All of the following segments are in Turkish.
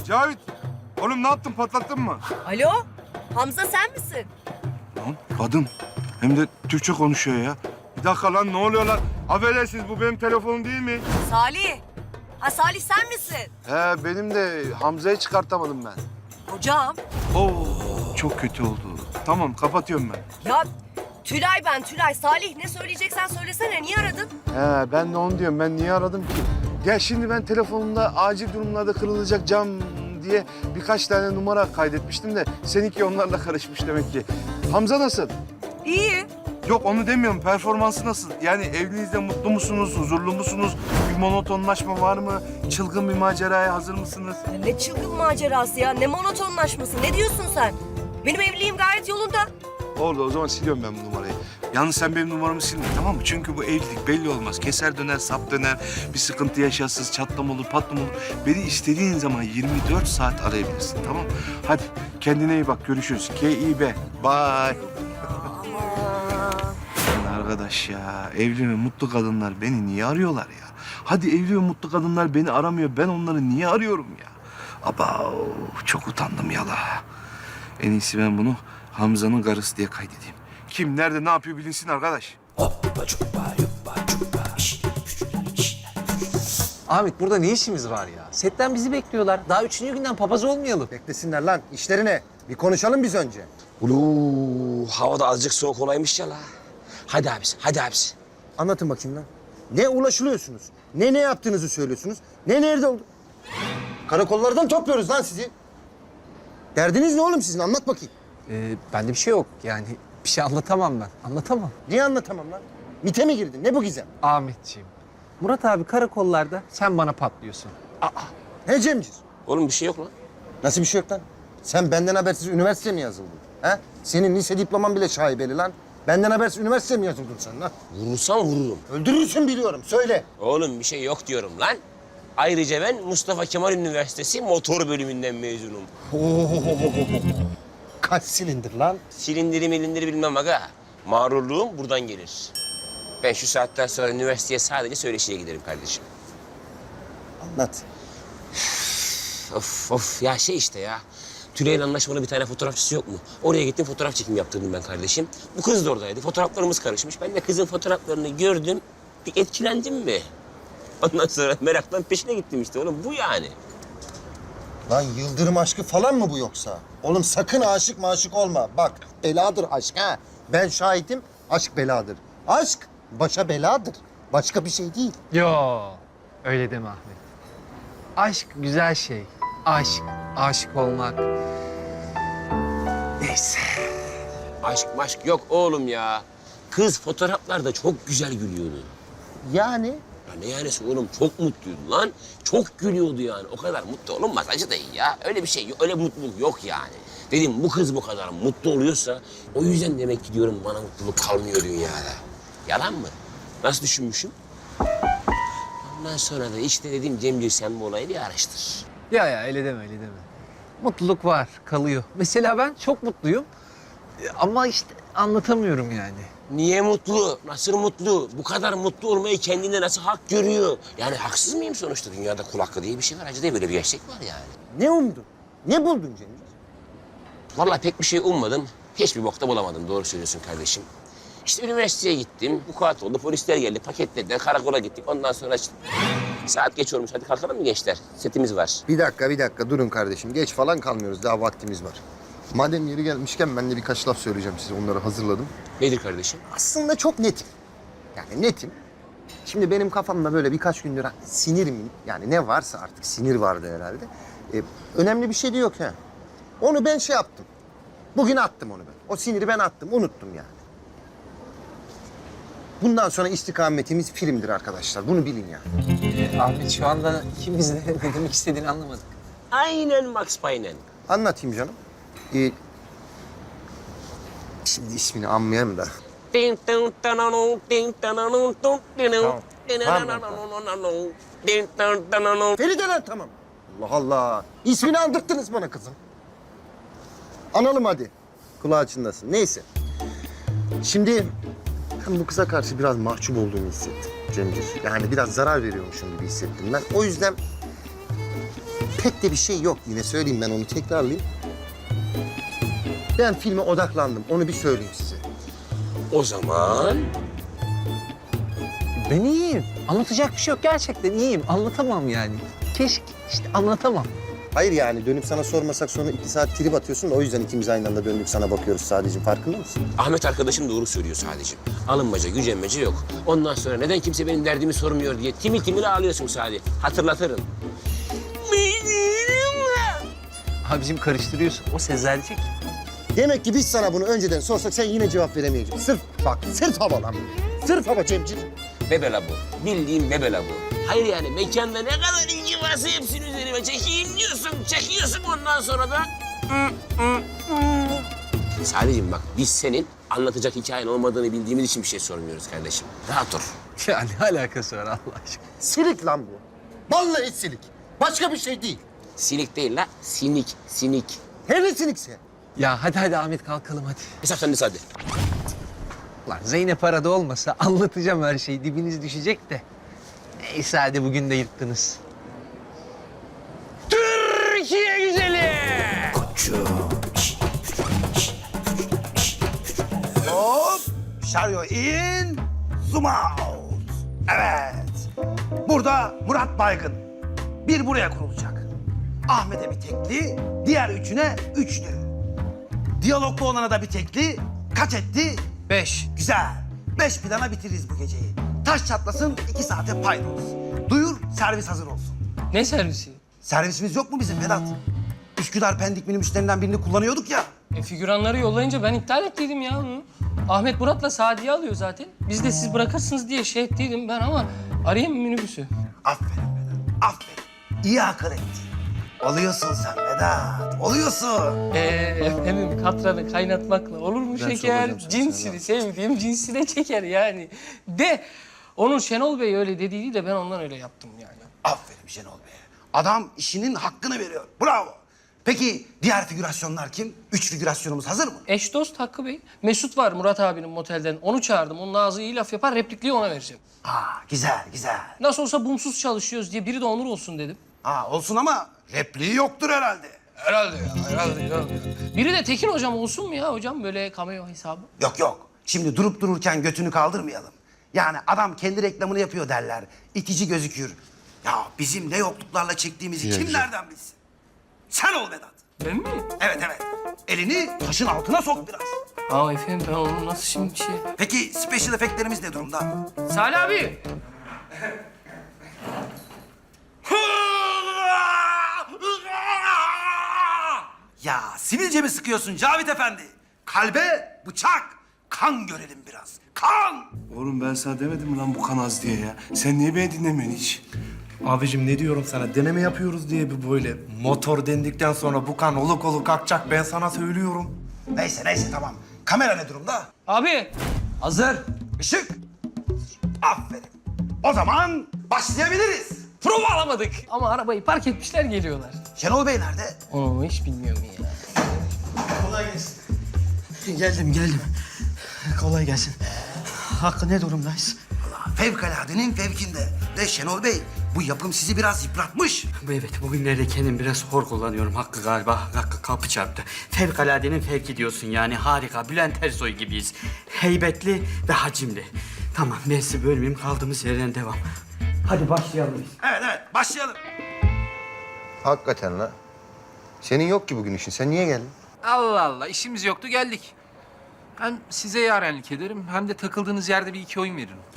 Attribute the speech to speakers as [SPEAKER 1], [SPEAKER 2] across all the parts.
[SPEAKER 1] Cavit, oğlum ne yaptın? Patlattın mı?
[SPEAKER 2] Alo, Hamza sen misin?
[SPEAKER 1] Lan kadın. Hem de Türkçe konuşuyor ya. Bir dakika lan, ne oluyor lan? Affedersiniz, bu benim telefonum değil mi?
[SPEAKER 2] Salih. Ha Salih sen misin?
[SPEAKER 3] He benim de Hamza'yı çıkartamadım ben.
[SPEAKER 2] Hocam.
[SPEAKER 1] Oo, çok kötü oldu. Tamam, kapatıyorum ben.
[SPEAKER 2] Ya Tülay ben Tülay. Salih ne söyleyeceksen söylesene. Niye aradın?
[SPEAKER 3] He ben de onu diyorum. Ben niye aradım ki? Ya şimdi ben telefonumda acil durumlarda kırılacak cam diye birkaç tane numara kaydetmiştim de seninki onlarla karışmış demek ki. Hamza nasıl?
[SPEAKER 2] İyi.
[SPEAKER 1] Yok onu demiyorum, performansı nasıl? Yani evliliğinizde mutlu musunuz, huzurlu musunuz? Bir monotonlaşma var mı? Çılgın bir maceraya hazır mısınız?
[SPEAKER 2] Ya ne çılgın macerası ya. Ne monotonlaşması. Ne diyorsun sen? Benim evliliğim gayet yolunda.
[SPEAKER 3] Oldu o zaman siliyorum ben bu numarayı.
[SPEAKER 1] Yalnız sen benim numaramı silme, tamam mı? Çünkü bu evlilik belli olmaz. Keser döner, sap döner, bir sıkıntı yaşarsınız, çatlama olur, patlama olur. Beni istediğin zaman 24 saat arayabilirsin, tamam mı? Hadi kendine iyi bak, görüşürüz. K.İ.B. Bye.
[SPEAKER 2] Aman.
[SPEAKER 1] Lan arkadaş ya, evli ve mutlu kadınlar beni niye arıyorlar ya? Hadi evli ve mutlu kadınlar beni aramıyor, ben onları niye arıyorum ya? Aba çok utandım yala. En iyisi ben bunu Hamza'nın karısı diye kaydedeyim. Kim, nerede, ne yapıyor bilinsin arkadaş.
[SPEAKER 4] Ahmet burada ne işimiz var ya? Setten bizi bekliyorlar. Daha 3. günden papaz olmayalım.
[SPEAKER 5] Beklesinler lan. İşlerine. Bir konuşalım biz önce.
[SPEAKER 6] Ulu, hava da azıcık soğuk olaymış ya la. Hadi abisi, hadi abisi.
[SPEAKER 5] Anlatın bakayım lan. Ne ulaşılıyorsunuz? Ne yaptığınızı söylüyorsunuz? Nerede oldu? Karakollardan topluyoruz lan sizi. Derdiniz ne oğlum sizin? Anlat bakayım.
[SPEAKER 4] Bende bir şey yok. Yani bir şey anlatamam ben. Anlatamam.
[SPEAKER 5] Niye anlatamam lan? MİT'e mi girdin? Ne bu gizem?
[SPEAKER 4] Ahmetciğim. Murat abi karakollarda sen bana patlıyorsun.
[SPEAKER 5] He Cemcir?
[SPEAKER 6] Oğlum bir şey yok lan.
[SPEAKER 5] Nasıl bir şey yok lan? Sen benden habersiz üniversiteye mi yazıldın? He? Senin lise diploman bile şaibeli lan. Benden habersiz üniversiteye mi yazıldın sen lan?
[SPEAKER 6] Vurursam vururum.
[SPEAKER 5] Öldürürsün biliyorum. Söyle.
[SPEAKER 6] Oğlum bir şey yok diyorum lan. Ayrıca ben Mustafa Kemal Üniversitesi motor bölümünden mezunum.
[SPEAKER 5] Kaç silindir lan?
[SPEAKER 6] Silindiri milindiri bilmem aga. Mağrurluğum buradan gelir. Ben şu saatten sonra üniversiteye sadece söyleşiye giderim kardeşim.
[SPEAKER 5] Anlat.
[SPEAKER 6] Of of ya şey işte ya. Tülay'ın anlaşmalı bir tane fotoğrafçısı yok mu? Oraya gittim fotoğraf çekimi yaptırdım ben kardeşim. Bu kız da oradaydı. Fotoğraflarımız karışmış. Ben de kızın fotoğraflarını gördüm. Bir etkilendim mi? Ondan sonra meraktan peşine gittim işte oğlum. Bu yani.
[SPEAKER 5] Lan yıldırım aşkı falan mı bu yoksa? Oğlum sakın aşık maşık olma. Bak beladır aşk ha. Ben şahidim, aşk beladır. Aşk başa beladır. Başka bir şey değil.
[SPEAKER 4] Yo, öyle deme Ahmet. Aşk güzel şey. Aşk, aşık olmak. Neyse.
[SPEAKER 6] Aşk maşk yok oğlum ya. Kız fotoğraflarda çok güzel gülüyordu.
[SPEAKER 5] Yani
[SPEAKER 6] Ya ne yanesi oğlum çok mutluydu lan. Çok gülüyordu yani. O kadar mutlu olunmaz acı değil ya. Öyle bir şey yok. Öyle mutluluk yok yani. Dedim bu kız bu kadar mutlu oluyorsa o yüzden demek ki diyorum bana mutluluk kalmıyor dünyada. Yalan mı? Nasıl düşünmüşüm? Ondan sonra da işte dedim Cemcir sen bu olayı bir araştır.
[SPEAKER 4] Ya öyle deme, öyle deme. Mutluluk var, kalıyor. Mesela ben çok mutluyum. Ama işte anlatamıyorum yani.
[SPEAKER 6] Niye mutlu? Nasıl mutlu? Bu kadar mutlu olmayı kendine nasıl hak görüyor? Yani haksız mıyım sonuçta? Dünyada kul hakkı diye bir şey var. Acı diye böyle bir gerçek var yani.
[SPEAKER 5] ne umdun? Ne buldun Cemil?
[SPEAKER 6] Vallahi pek bir şey ummadım. Hiçbir bokta bulamadım. Doğru söylüyorsun kardeşim. İşte üniversiteye gittim. Vukuat oldu. Polisler geldi. Paketlediler. Karakola gittik. Ondan sonra işte... Saat geç olmuş. Hadi kalkalım mı gençler? Setimiz var.
[SPEAKER 5] Bir dakika durun kardeşim. Geç falan kalmıyoruz. Daha vaktimiz var. Madem yeri gelmişken ben de birkaç laf söyleyeceğim size. Onları hazırladım.
[SPEAKER 6] Nedir kardeşim?
[SPEAKER 5] Aslında çok netim. Yani netim. Şimdi benim kafamda böyle birkaç gündür sinir mi? Yani ne varsa artık sinir vardı herhalde. Önemli bir şey de yok ha. Onu ben şey yaptım. Bugün attım onu ben. O siniri ben attım. Unuttum yani. Bundan sonra istikametimiz filmdir arkadaşlar. Bunu bilin yani.
[SPEAKER 4] Ahmet şu anda ikimiz de ne demek istediğini anlamadık.
[SPEAKER 6] Aynen Max Payne.
[SPEAKER 5] Anlatayım canım. Şimdi ismini anmayayım da. Feride lan tamam. Allah Allah. İsmini andırttınız bana kızım. Analım hadi. Kulağı çınlasın. Neyse. Şimdi ben bu kıza karşı biraz mahcup olduğumu hissettim Cemcir. Yani biraz zarar veriyormuşum gibi hissettim ben. O yüzden pek de bir şey yok. Yine söyleyeyim, ben onu tekrarlayayım. Ben filme odaklandım. Onu bir söyleyeyim size.
[SPEAKER 6] O zaman
[SPEAKER 4] Ben iyiyim. Anlatacak bir şey yok. Gerçekten iyiyim. Anlatamam yani. Keşke işte anlatamam.
[SPEAKER 5] Hayır yani dönüp sana sormasak sonra 2 saat trip atıyorsun da o yüzden ikimiz aynı anda döndük sana bakıyoruz sadece. Farkında mısın?
[SPEAKER 6] Ahmet arkadaşım doğru söylüyor sadece. Alınmaca, gücenmece yok. Ondan sonra neden kimse benim derdimi sormuyor diye timil timil ağlıyorsun sadece. Hatırlatırım.
[SPEAKER 4] Abicim karıştırıyorsun. O Sezercik.
[SPEAKER 5] Demek ki biz sana bunu önceden sorsak sen yine cevap veremeyeceksin. Sırf bak, sırf hava lan. Sırf hava Cemcik.
[SPEAKER 6] Bebela bu. Bildiğin bebela bu. Hayır yani mekanda ne kadar ilgi varsa hepsini üzerime çekeyim diyorsun. Çekiyorsun ondan sonra da... Salih'im bak biz senin anlatacak hikayen olmadığını bildiğimiz için bir şey sormuyoruz kardeşim. Rahat dur.
[SPEAKER 4] Ya ne alakası var Allah aşkına?
[SPEAKER 5] Silik lan bu. Vallahi silik. Başka bir şey değil.
[SPEAKER 6] Sinik değil la, sinik, sinik.
[SPEAKER 5] Hele sinikse.
[SPEAKER 4] Ya hadi Ahmet kalkalım hadi.
[SPEAKER 6] Hesap sende Sadi.
[SPEAKER 4] Lan Zeynep arada olmasa anlatacağım her şeyi. Dibiniz düşecek de. Neyse hadi bugün de yırttınız. Türkiye güzeli!
[SPEAKER 7] Hop, şaryo in, zoom out. Evet, burada Murat Baygın. Bir buraya kurulacak. Ahmet'e bir tekli, diğer üçüne üçlü. Diyaloglu olana da bir tekli, kaç etti? 5. Güzel. 5 plana bitiririz bu geceyi. Taş çatlasın, 2 saate paydos. Duyur, servis hazır olsun.
[SPEAKER 8] Ne servisi?
[SPEAKER 7] Servisimiz yok mu bizim Vedat? Üsküdar Pendik minibüslerinden birini kullanıyorduk ya.
[SPEAKER 8] Figüranları yollayınca ben iptal ettiydim ya onu. Ahmet Murat'la Sadiye alıyor zaten. Biz de siz bırakırsınız diye şey ettiydim ben ama arayayım mı minibüsü?
[SPEAKER 7] Aferin Vedat, aferin. İyi akıl ettin. Oluyorsun sen Vedat, oluyorsun.
[SPEAKER 8] Efendim katranı kaynatmakla olur mu şeker? Cinsini sevdiğim cinsine çeker yani. De onun Şenol Bey öyle dediği de ben ondan öyle yaptım yani.
[SPEAKER 7] Aferin Şenol Bey. Adam işinin hakkını veriyor. Bravo. Peki diğer figürasyonlar kim? 3 figürasyonumuz hazır mı?
[SPEAKER 8] Eş dost Hakkı Bey. Mesut var Murat abinin motelden. Onu çağırdım. Onun ağzı iyi laf yapar. Replikliği ona vereceğim.
[SPEAKER 7] Güzel, güzel.
[SPEAKER 8] Nasıl olsa bumsuz çalışıyoruz diye biri de Onur olsun dedim.
[SPEAKER 7] Olsun ama repliği yoktur herhalde.
[SPEAKER 8] Herhalde ya, herhalde. Biri de Tekin hocam olsun mu ya hocam böyle cameo hesabı?
[SPEAKER 7] Yok yok. Şimdi durup dururken götünü kaldırmayalım. Yani adam kendi reklamını yapıyor derler. İtici gözükür. Ya bizim ne yokluklarla çektiğimizi kim nereden bilsin? Sen ol Vedat.
[SPEAKER 8] Ben mi?
[SPEAKER 7] Evet evet. Elini taşın altına sok biraz.
[SPEAKER 8] Efendim ben onu nasıl şimdi şey...
[SPEAKER 7] Peki special efektlerimiz ne durumda?
[SPEAKER 8] Salih abi.
[SPEAKER 7] Ya sivilce mi sıkıyorsun Cavit Efendi? Kalbe bıçak, kan görelim biraz. Kan!
[SPEAKER 1] Oğlum ben sana demedim mi lan bu kan az diye ya? Sen niye beni dinlemiyorsun hiç?
[SPEAKER 9] Abicim ne diyorum sana? Deneme yapıyoruz diye bir böyle. Motor dendikten sonra bu kan oluk oluk akacak. Ben sana söylüyorum.
[SPEAKER 7] Neyse tamam. Kamera ne durumda?
[SPEAKER 8] Abi.
[SPEAKER 7] Hazır. Işık. Aferin. O zaman başlayabiliriz.
[SPEAKER 8] Prova alamadık. Ama arabayı park etmişler geliyorlar.
[SPEAKER 7] Şenol Bey nerede?
[SPEAKER 8] Onu hiç bilmiyorum ya.
[SPEAKER 10] Geldim. Kolay gelsin. Hakkı ne durumdayız?
[SPEAKER 7] Fevkaladenin fevkinde. Ve Şenol Bey, bu yapım sizi biraz yıpratmış.
[SPEAKER 10] Evet, bugünlerde kendim biraz hor kullanıyorum. Hakkı galiba kapı çarptı. Fevkaladenin fevki diyorsun yani. Harika, Bülent Ersoy gibiyiz. Heybetli ve hacimli. Tamam, ben sizi bölmeyeyim. Kaldığımız yerden devam. Hadi başlayalım biz.
[SPEAKER 7] Evet, başlayalım.
[SPEAKER 5] Hakikaten la. Senin yok ki bugün işin. Sen niye geldin?
[SPEAKER 4] Allah Allah işimiz yoktu geldik. Hem size yarenlik ederim hem de takıldığınız yerde bir iki oyun veririm.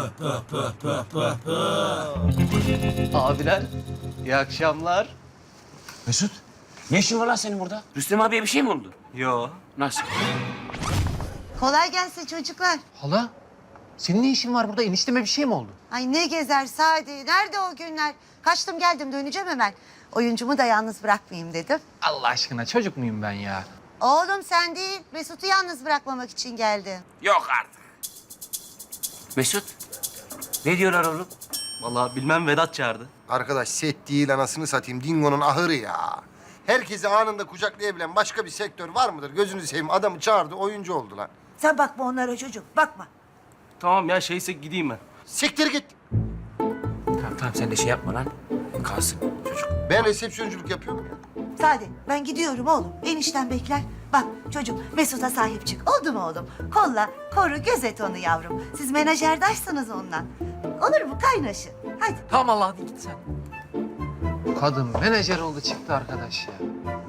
[SPEAKER 10] Abiler, iyi akşamlar.
[SPEAKER 6] Mesut, ne işin var lan senin burada? Rüstem abiye bir şey mi oldu?
[SPEAKER 10] Yo.
[SPEAKER 6] Nasıl?
[SPEAKER 11] Kolay gelsin çocuklar.
[SPEAKER 4] Hala senin ne işin var burada? Enişteme bir şey mi oldu?
[SPEAKER 11] Ay ne gezer Sadi. Nerede o günler? Kaçtım geldim döneceğim hemen. Oyuncumu da yalnız bırakmayayım dedim.
[SPEAKER 4] Allah aşkına çocuk muyum ben ya?
[SPEAKER 11] Oğlum sen değil, Mesut'u yalnız bırakmamak için geldim.
[SPEAKER 6] Yok artık. Mesut, ne diyorlar oğlum?
[SPEAKER 10] Vallahi bilmem, Vedat çağırdı.
[SPEAKER 5] Arkadaş set değil anasını satayım. Dingo'nun ahırı ya. Herkesi anında kucaklayabilen başka bir sektör var mıdır? Gözünü seveyim, adamı çağırdı, oyuncu oldu lan.
[SPEAKER 11] Sen bakma onlara çocuk, bakma.
[SPEAKER 10] Tamam ya, şeyse gideyim ben.
[SPEAKER 5] Siktir git.
[SPEAKER 4] Tamam
[SPEAKER 6] Tamam sen de şey yapma lan. Kalsın çocuk.
[SPEAKER 5] Ben resepsiyonculuk yapıyorum ya.
[SPEAKER 11] Sade ben gidiyorum oğlum. Enişten bekler. Bak çocuğum Mesut'a sahip çık. Oldu mu oğlum? Kolla, koru, gözet onu yavrum. Siz menajerdaşsınız onunla. Olur mu kaynaşın? Hadi.
[SPEAKER 4] Tamam Allah hadi git sen. Kadın menajer oldu çıktı arkadaş ya.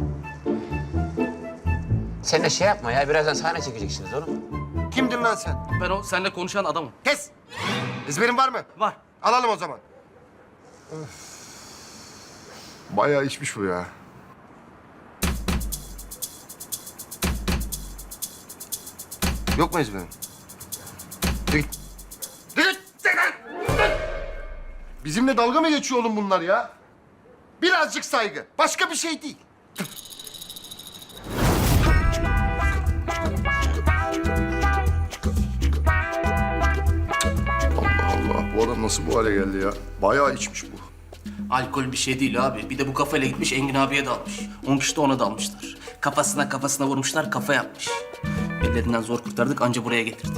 [SPEAKER 6] Sen de şey yapma ya. Birazdan sahne çekeceksiniz oğlum.
[SPEAKER 5] Kimdin lan sen?
[SPEAKER 10] Ben o seninle konuşan adamım.
[SPEAKER 5] Kes! Ezberin var mı?
[SPEAKER 10] Var.
[SPEAKER 5] Alalım o zaman.
[SPEAKER 3] Bayağı içmiş bu ya.
[SPEAKER 5] Yok mu ezberin? Git. Git! Bizimle dalga mı geçiyor oğlum bunlar ya? Birazcık saygı. Başka bir şey değil.
[SPEAKER 3] Allah Allah. Bu adam nasıl bu hale geldi ya? Bayağı içmiş bu.
[SPEAKER 12] Alkol bir şey değil abi. Bir de bu kafayla gitmiş Engin abiye dalmış. 10 kişi de ona dalmışlar. Kafasına vurmuşlar, kafa yapmış. Ellerinden zor kurtardık, anca buraya getirdik.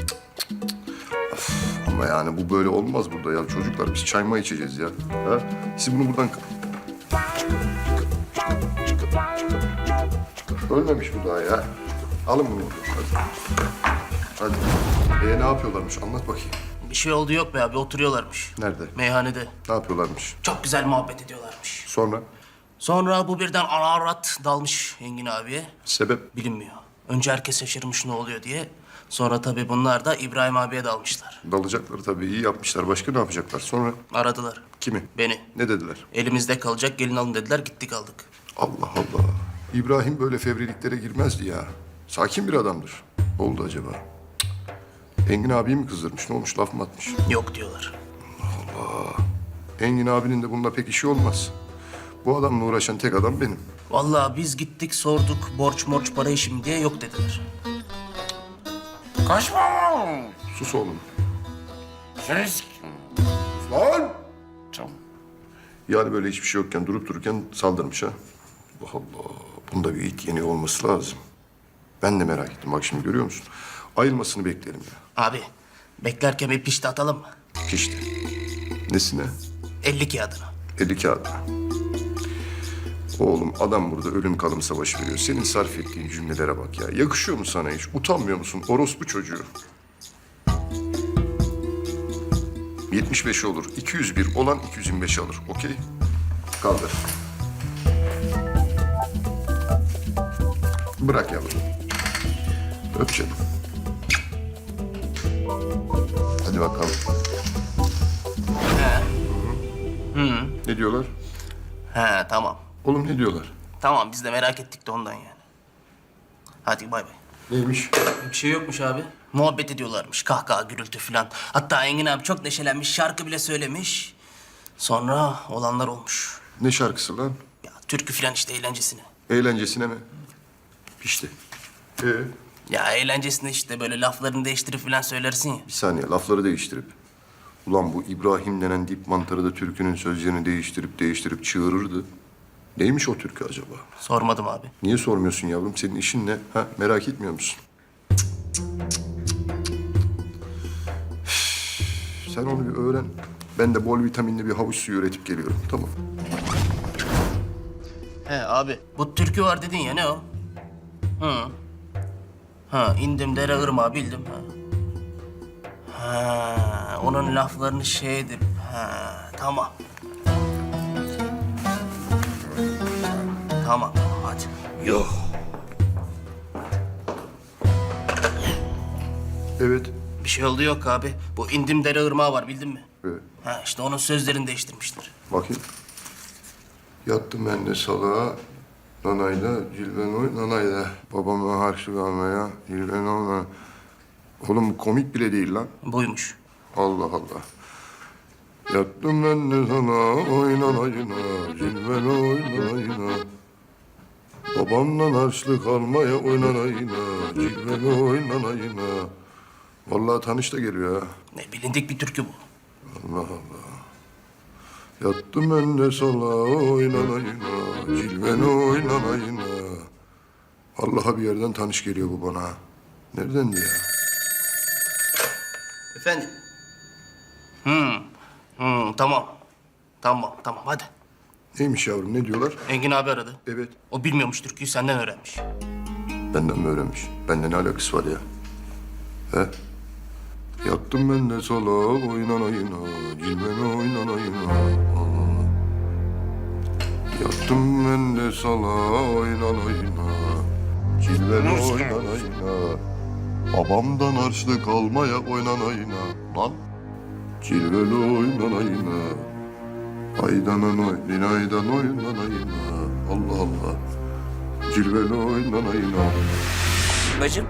[SPEAKER 3] Ama yani bu böyle olmaz burada ya. Çocuklar biz çay mı içeceğiz ya? Ha? Siz bunu buradan... Ölmemiş bu daha ya. Alın bunu buradan. Hadi. Hadi. Ne yapıyorlarmış? Anlat bakayım.
[SPEAKER 12] Bir şey oldu yok be abi, oturuyorlarmış.
[SPEAKER 3] Nerede?
[SPEAKER 12] Meyhanede.
[SPEAKER 3] Ne yapıyorlarmış?
[SPEAKER 12] Çok güzel muhabbet ediyorlarmış.
[SPEAKER 3] Sonra?
[SPEAKER 12] Sonra bu birden ararat dalmış Engin abiye.
[SPEAKER 3] Sebep?
[SPEAKER 12] Bilinmiyor. Önce herkes şaşırmış ne oluyor diye. Sonra tabii bunlar da İbrahim abiye dalmışlar.
[SPEAKER 3] Dalacaklar tabii. İyi yapmışlar. Başka ne yapacaklar? Sonra
[SPEAKER 12] Aradılar.
[SPEAKER 3] kimi?
[SPEAKER 12] Beni.
[SPEAKER 3] Ne dediler?
[SPEAKER 12] Elimizde kalacak, gelin alın dediler, gittik aldık.
[SPEAKER 3] Allah Allah. İbrahim böyle fevriliklere girmezdi ya. Sakin bir adamdır. Ne oldu acaba? Cık. Engin abiyi mi kızdırmış? Ne olmuş? Laf mı atmış?
[SPEAKER 12] Yok diyorlar.
[SPEAKER 3] Engin abinin de bununla pek işi olmaz. Bu adamla uğraşan tek adam benim.
[SPEAKER 12] Vallahi biz gittik sorduk borç morç para işi mi diye yok dediler.
[SPEAKER 3] Sus oğlum. Lan!
[SPEAKER 6] Tamam.
[SPEAKER 3] Yani böyle hiçbir şey yokken durup dururken saldırmış ha. Allah Allah. Bunda bir it yeni olması lazım. Ben de merak ettim. Bak şimdi görüyor musun? Ayılmasını beklerim ya.
[SPEAKER 12] Abi beklerken bir pişti atalım mı?
[SPEAKER 3] Pişti. Nesine?
[SPEAKER 12] 50 kağıdına.
[SPEAKER 3] 50 kağıdına. Oğlum adam burada ölüm kalım savaşı veriyor. Senin sarf ettiğin cümlelere bak ya. Yakışıyor mu sana hiç? Utanmıyor musun? Orospu çocuğu. 75 olur. 201 olan 225 alır. Okey? Kaldır. Bırak yavrum. Öp canım. Hadi bakalım. Ne diyorlar?
[SPEAKER 12] He tamam.
[SPEAKER 3] Oğlum ne diyorlar?
[SPEAKER 12] Tamam biz de merak ettik de ondan yani. Hadi bay bay.
[SPEAKER 3] Neymiş?
[SPEAKER 12] Bir şey yokmuş abi. Muhabbet ediyorlarmış. Kahkaha, gürültü falan. Hatta Engin abi çok neşelenmiş. Şarkı bile söylemiş. Sonra olanlar olmuş.
[SPEAKER 3] Ne şarkısı lan?
[SPEAKER 12] Ya türkü falan işte eğlencesine.
[SPEAKER 3] Eğlencesine mi? Pişti.
[SPEAKER 12] Ya eğlencesine işte böyle laflarını değiştirip falan söylersin ya.
[SPEAKER 3] Bir saniye lafları değiştirip. Ulan bu İbrahim denen dip mantarı da türkünün sözlerini değiştirip çığırırdı. Neymiş o türkü acaba?
[SPEAKER 12] Sormadım abi.
[SPEAKER 3] Niye sormuyorsun yavrum? Senin işin ne? Ha, merak etmiyor musun? Sen onu bir öğren. Ben de bol vitaminli bir havuç suyu üretip geliyorum. Tamam.
[SPEAKER 12] He abi. Bu türkü var dedin ya ne o? Hı. Ha indim dere ırmağı bildim ha. Ha onun laflarını şey edip ha tamam. Tamam hadi.
[SPEAKER 3] Yok. Evet.
[SPEAKER 12] Bir şey oldu yok abi. Bu indim dere ırmağı var bildin mi?
[SPEAKER 3] Evet.
[SPEAKER 12] Ha işte onun sözlerini değiştirmişler.
[SPEAKER 3] Bakayım. Yattım ben de salağa. Nanayla, cilvenoy, nanayla. Babama harçlık almaya, cilvenoy. Oğlum bu komik bile değil lan.
[SPEAKER 12] Buymuş.
[SPEAKER 3] Allah Allah. Yattım ben de sana oynanayına, cilven oynanayına. Babamdan harçlık almaya oynanayına, cilven oynanayına. Vallahi tanış da geliyor ha.
[SPEAKER 12] Ne bilindik bir türkü bu.
[SPEAKER 3] Allah Allah. Yattım ben de sana oynanayına, cilven oynanayına. Vallahi bir yerden tanış geliyor bu bana. Nereden ya?
[SPEAKER 12] Efendim? Tamam. Tamam hadi.
[SPEAKER 13] Neymiş yavrum, ne diyorlar?
[SPEAKER 12] Engin abi aradı.
[SPEAKER 13] Evet.
[SPEAKER 12] O bilmiyormuş türküyü, senden öğrenmiş.
[SPEAKER 13] Benden mi öğrenmiş? Benden ne alakası var ya? He? Yattım ben de sala oynanayına, cilvene oynanayına. Yattım ben de sala oynanayına, cilvene oynanayına. Babamdan harçlık almaya oynanayına. Lan! Cilveli oynanayına. Aydanan oynaydan oynanayına. Allah Allah. Cilveli oynanayına.
[SPEAKER 6] Bacım.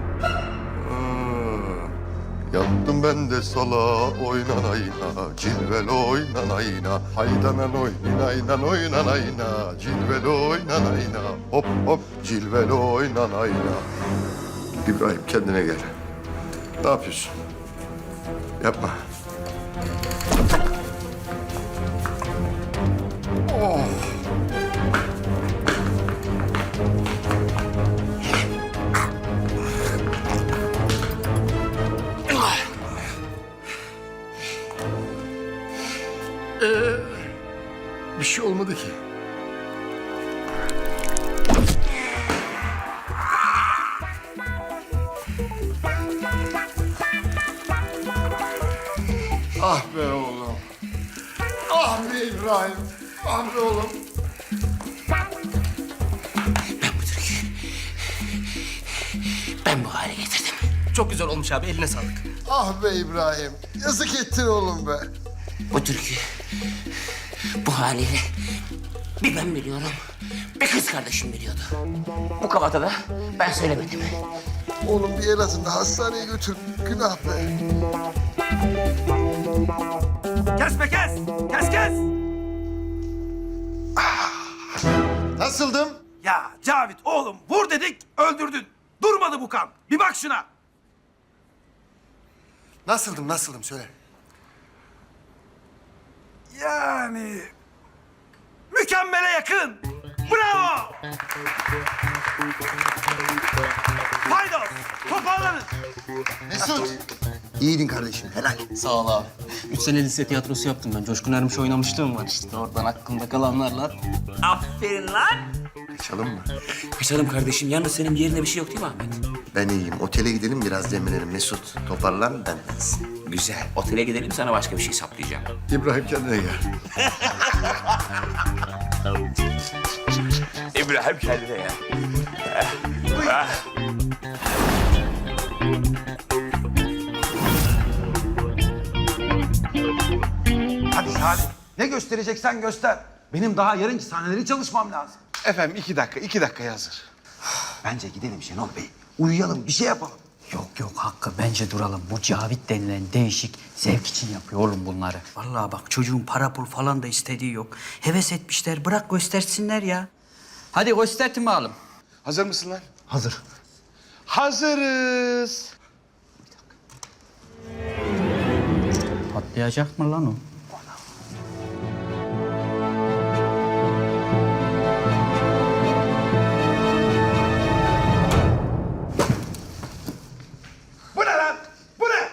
[SPEAKER 13] Yattım ben de sala oynanayına, cilveli oynanayına. Haydanan oynaydan oynanayına, cilveli oynanayına. Hop hop cilveli oynanayına. İbrahim kendine gel. Ne yapıyorsun? Yapma. Oh. Bir şey olmadı ki. Ah be oğlum. Ah be İbrahim. Ah be oğlum.
[SPEAKER 6] Ben bu hale getirdim.
[SPEAKER 12] Çok güzel olmuş abi, eline sağlık.
[SPEAKER 13] Ah be İbrahim. Yazık ettin oğlum be.
[SPEAKER 6] Bu türkü bu haliyle bir ben biliyorum, bir kız kardeşim biliyordu. Bu kafada da ben söylemedim.
[SPEAKER 13] Oğlum bir Elazığ'da hastaneye götür. Günah be.
[SPEAKER 7] Kes be kes! Kes!
[SPEAKER 13] Nasıldım?
[SPEAKER 7] Ya Cavit oğlum vur dedik öldürdün. Durmadı bu kan. Bir bak şuna.
[SPEAKER 13] Nasıldım söyle.
[SPEAKER 7] Yani mükemmele yakın. Bravo. Paydos toparlanın.
[SPEAKER 5] Mesut. İyiydin kardeşim, helal.
[SPEAKER 12] Sağ ol abi. 3 sene lise tiyatrosu yaptım ben. Coşkun Ermiş oynamışlığım var işte. Oradan aklımda kalanlarla.
[SPEAKER 6] Aferin lan.
[SPEAKER 13] Kaçalım mı?
[SPEAKER 6] Kaçalım kardeşim. Yalnız senin bir yerinde bir şey yok değil mi Ahmet?
[SPEAKER 5] Ben iyiyim. Otele gidelim biraz demlenelim. Mesut toparlan bendensin.
[SPEAKER 6] Güzel. Otele gidelim, sana başka bir şey saplayacağım.
[SPEAKER 13] İbrahim kendine gel.
[SPEAKER 6] İbrahim kendine ya.
[SPEAKER 7] Hadi Salih. Ne göstereceksen göster. Benim daha yarınki sahneleri çalışmam lazım.
[SPEAKER 3] Efendim 2 dakikaya hazır.
[SPEAKER 7] Bence gidelim Şenol Bey. Uyuyalım, bir şey yapalım.
[SPEAKER 10] Yok Hakkı, bence duralım. Bu Cavit denilen değişik zevk için yapıyor oğlum bunları. Vallahi bak çocuğun para pul falan da istediği yok. Heves etmişler, bırak göstersinler ya. Hadi göstertin bakalım.
[SPEAKER 3] Hazır mısın lan?
[SPEAKER 7] Hazır.
[SPEAKER 3] Hazırız.
[SPEAKER 10] Patlayacak mı lan o?
[SPEAKER 7] Bu ne lan? Bu ne?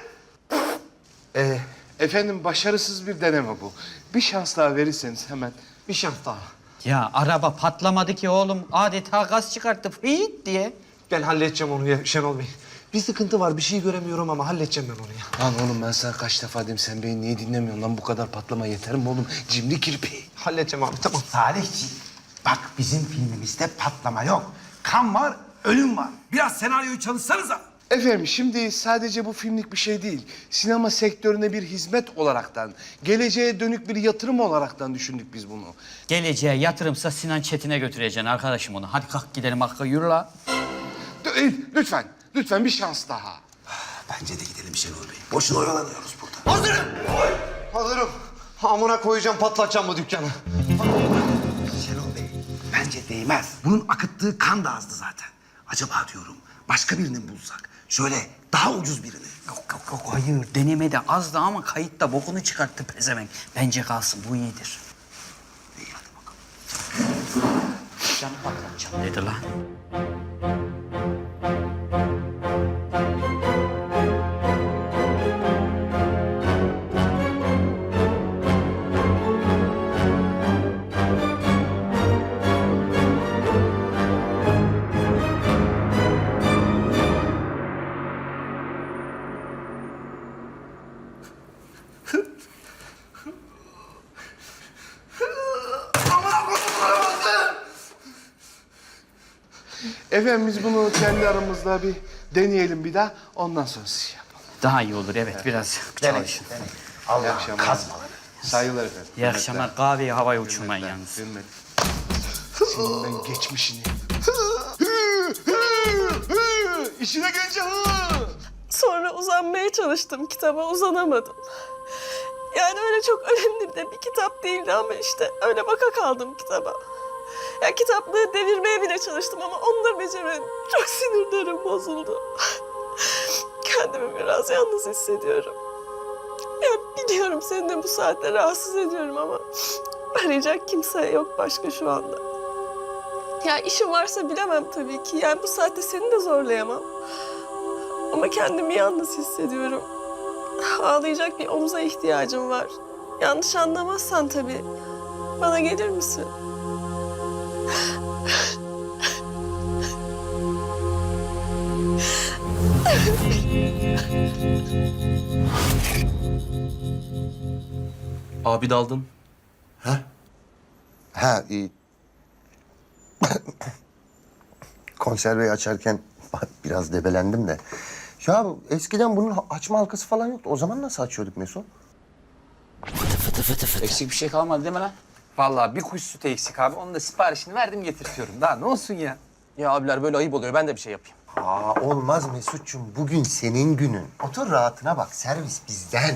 [SPEAKER 3] Efendim başarısız bir deneme bu. Bir şans daha verirseniz hemen.
[SPEAKER 7] Bir şans daha.
[SPEAKER 10] Ya araba patlamadı ki oğlum. Adeta gaz çıkarttı fıyt diye.
[SPEAKER 7] Ben halledeceğim onu ya Şenol Bey. Bir sıkıntı var, bir şey göremiyorum ama halledeceğim ben onu ya.
[SPEAKER 3] Lan oğlum ben sana kaç defa dedim sen beni niye dinlemiyorsun lan bu kadar patlama yeter mi oğlum? Cimri kirpi.
[SPEAKER 7] Halledeceğim abi, tamam.
[SPEAKER 14] Salihciğim, bak bizim filmimizde patlama yok. Kan var, ölüm var.
[SPEAKER 7] Biraz senaryoyu çalışsanıza.
[SPEAKER 3] Efendim şimdi sadece bu filmlik bir şey değil. Sinema sektörüne bir hizmet olaraktan, geleceğe dönük bir yatırım olaraktan düşündük biz bunu.
[SPEAKER 10] Geleceğe yatırımsa Sinan Çetin'e götüreceksin arkadaşım onu. Hadi kalk gidelim Hakkı, yürü la.
[SPEAKER 3] Lütfen bir şans daha.
[SPEAKER 14] Bence de gidelim Şenol Bey. Boşuna oyalanıyoruz burada.
[SPEAKER 7] Hazırım. Amına koyacağım, patlatacağım bu dükkanı.
[SPEAKER 14] Şenol Bey, bence değmez. Bunun akıttığı kan da azdı zaten. Acaba diyorum başka birini bulsak. Şöyle daha ucuz birini.
[SPEAKER 10] Yok hayır, denemede azdı ama kayıtta bokunu çıkarttı pezevenk. Bence kalsın, bu iyidir.
[SPEAKER 14] İyi hadi bakalım.
[SPEAKER 10] Canı patlatacağım dedi lan.
[SPEAKER 3] Efendim biz bunu kendi aramızda bir deneyelim bir daha. Ondan sonra siz yapalım.
[SPEAKER 10] Daha iyi olur evet biraz çalışın.
[SPEAKER 3] İyi akşamlar. Kazmaları. Saygılar efendim.
[SPEAKER 10] İyi akşamlar. Kahveyi havaya uçurmayın yalnız.
[SPEAKER 3] Hürmet. Senin ben geçmişini. İşine gelince
[SPEAKER 2] Sonra uzanmaya çalıştım kitaba, uzanamadım. Yani öyle çok önemli de bir kitap değildi ama işte öyle baka kaldım kitaba. Ya kitaplığı devirmeye bile çalıştım ama onu da beceremedim. Çok sinirlerim bozuldu. Kendimi biraz yalnız hissediyorum. Ya biliyorum seni de bu saatte rahatsız ediyorum ama arayacak kimse yok başka şu anda. Ya işim varsa bilemem tabii ki. Yani bu saatte seni de zorlayamam. Ama kendimi yalnız hissediyorum. Ağlayacak bir omuza ihtiyacım var. Yanlış anlamazsan tabii. Bana gelir misin?
[SPEAKER 12] Abi daldın.
[SPEAKER 5] Ha iyi. Konserveyi açarken biraz debelendim de. Ya eskiden bunun açma halkası falan yoktu. O zaman nasıl açıyorduk Mesut?
[SPEAKER 6] Eksik bir şey kalmadı değil mi lan?
[SPEAKER 4] Vallahi bir kuş sütü eksik abi. Onun da siparişini verdim getirtiyorum. Daha ne olsun ya?
[SPEAKER 12] Ya abiler böyle ayıp oluyor. Ben de bir şey yapayım.
[SPEAKER 5] Aa olmaz Mesut'cum. Bugün senin günün. Otur rahatına bak. Servis bizden.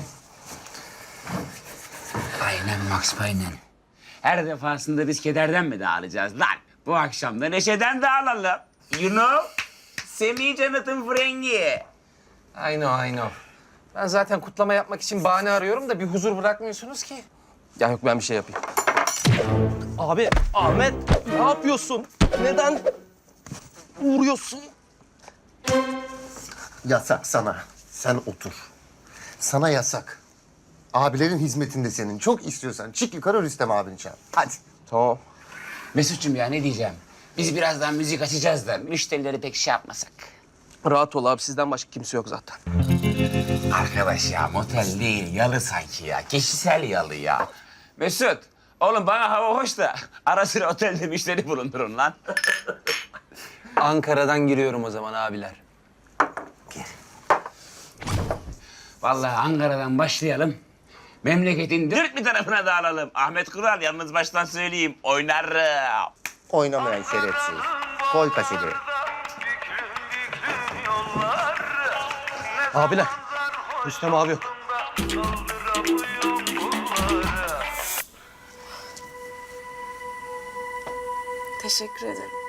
[SPEAKER 6] Aynen Max, aynen. Her defasında biz kederden mi dağılacağız lan? Bu akşam da neşeden dağılalım. You know? Semih Jonathan Frengi.
[SPEAKER 4] I know. Ben zaten kutlama yapmak için bahane arıyorum da bir huzur bırakmıyorsunuz ki.
[SPEAKER 12] Ya yok ben bir şey yapayım. Abi, Ahmet ne yapıyorsun? Neden vuruyorsun?
[SPEAKER 5] Yasak sana. Sen otur. Sana yasak. Abilerin hizmetinde senin. Çok istiyorsan çık yukarı Rüstem abini çağır. Hadi.
[SPEAKER 12] Tamam.
[SPEAKER 6] Mesut'cum ya ne diyeceğim? Biz birazdan müzik açacağız da müşterileri pek şey yapmasak.
[SPEAKER 12] Rahat ol abi. Sizden başka kimse yok zaten.
[SPEAKER 6] Arkadaş ya motel değil yalı sanki ya. Kişisel yalı ya. Mesut oğlum bana hava hoş da ara sıra otelde müşteri bulundurun lan.
[SPEAKER 4] Ankara'dan giriyorum o zaman abiler.
[SPEAKER 6] Vallahi Ankara'dan başlayalım. Memleketin dört bir tarafına dağılalım. Ahmet Kural yalnız baştan söyleyeyim oynarım.
[SPEAKER 5] Oynamayan şerefsiz. Koy kaseti.
[SPEAKER 12] Abiler, Rüstem abi yok.
[SPEAKER 2] Teşekkür ederim.